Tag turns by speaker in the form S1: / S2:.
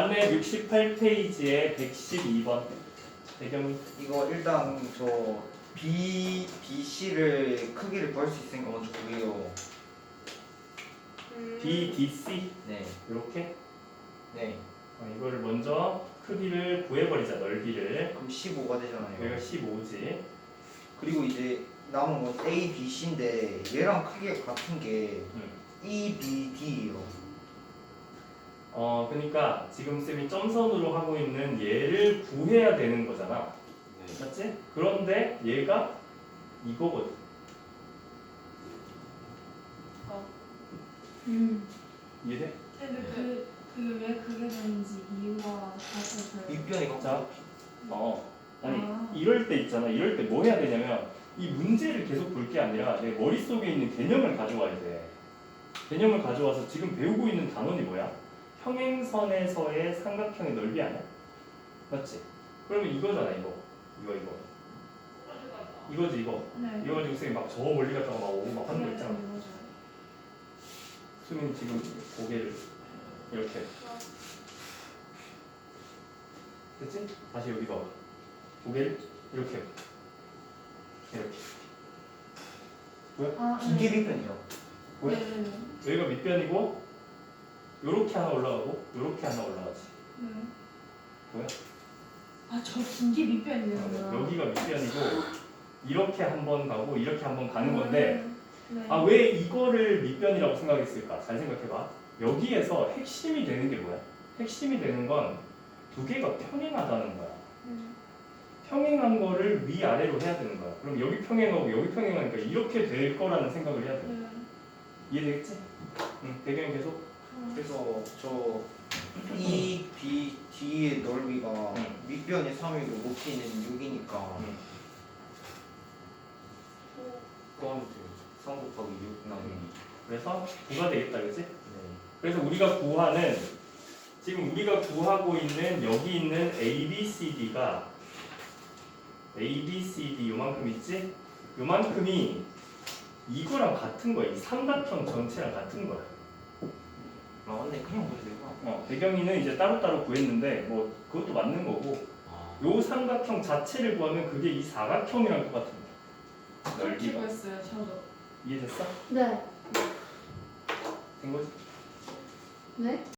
S1: 468페이지에 112번 배경이
S2: 이거 일단 저 BC를 크기를 구할 수 있으니까 먼저 구해요.
S1: BDC
S2: 네.
S1: 이렇게
S2: 네.
S1: 이거를 먼저 크기를 구해버리자. 넓이를.
S2: 그럼 15가 되잖아요.
S1: 여기가 15지.
S2: 그리고 이제 남은 건 A, B, C인데 얘랑 크기가 같은 게 E, B, D예요.
S1: 그러니까 지금 쌤이 점선으로 하고 있는 얘를 구해야 되는 거잖아.
S3: 네.
S1: 맞지? 그런데 얘가 이거거든. 이해돼?
S4: 근데 왜 그게 되는지 이유와 다시
S2: 윗변이
S1: 자, 아니
S4: 아.
S1: 이럴 때 있잖아. 이럴 때 뭐 해야 되냐면 이 문제를 계속 볼 게 아니라 내 머릿속에 있는 개념을 가져와야 돼. 개념을 가져와서 지금 배우고 있는 단원이 뭐야? 평행선에서의 삼각형의 넓이 아니야? 맞지? 그러면 이거잖아. 이거. 이거지 이거.
S4: 네.
S1: 이거 가지고 쌤이 막 저 멀리 갔다가 막 오고 막 하는 거 있잖아. 수민 지금 고개를 이렇게. 됐지? 다시 여기 봐봐. 고개를 이렇게. 이렇게. 뭐야?
S2: 이게 윗변이요.
S1: 뭐야?
S4: 네네네.
S1: 여기가 밑변이고 요렇게 하나 올라가고 요렇게 하나 올라가지. 뭐야?
S4: 아저 긴 게 밑변이네요.
S1: 여기가 밑변이고 이렇게 한 번 가고 이렇게 한 번 가는 건데
S4: 네.
S1: 아 왜 이거를 밑변이라고 생각했을까? 잘 생각해봐. 여기에서 핵심이 되는 게 뭐야? 핵심이 되는 건 두 개가 평행하다는 거야. 평행한 거를 위아래로 해야 되는 거야. 그럼 여기 평행하고 여기 평행하니까 이렇게 될 거라는 생각을 해야 돼. 이해되겠지? 응, 배경이 계속.
S2: 그래서 저 E, B, D의 넓이가 윗변이 3이고 높이는 6이니까 그건 3 곱하기 6 나누기.
S1: 그래서 9가 되겠다, 그치?
S2: 네.
S1: 그래서 우리가 구하는 지금 우리가 구하고 있는 여기 있는 ABCD가 ABCD 요만큼 있지? 요만큼이 이거랑 같은 거야. 이 삼각형 전체랑 같은 거야.
S2: 아 맞네. 그냥 보면 되구나.
S1: 배경이는 이제 따로따로 구했는데 뭐 그것도 맞는 거고 요 삼각형 자체를 구하면 그게 이 사각형이랑 똑같은 거야. 넓이가.
S4: 했어요, 저도.
S1: 이해됐어?
S5: 네.
S1: 된 거지?
S5: 네?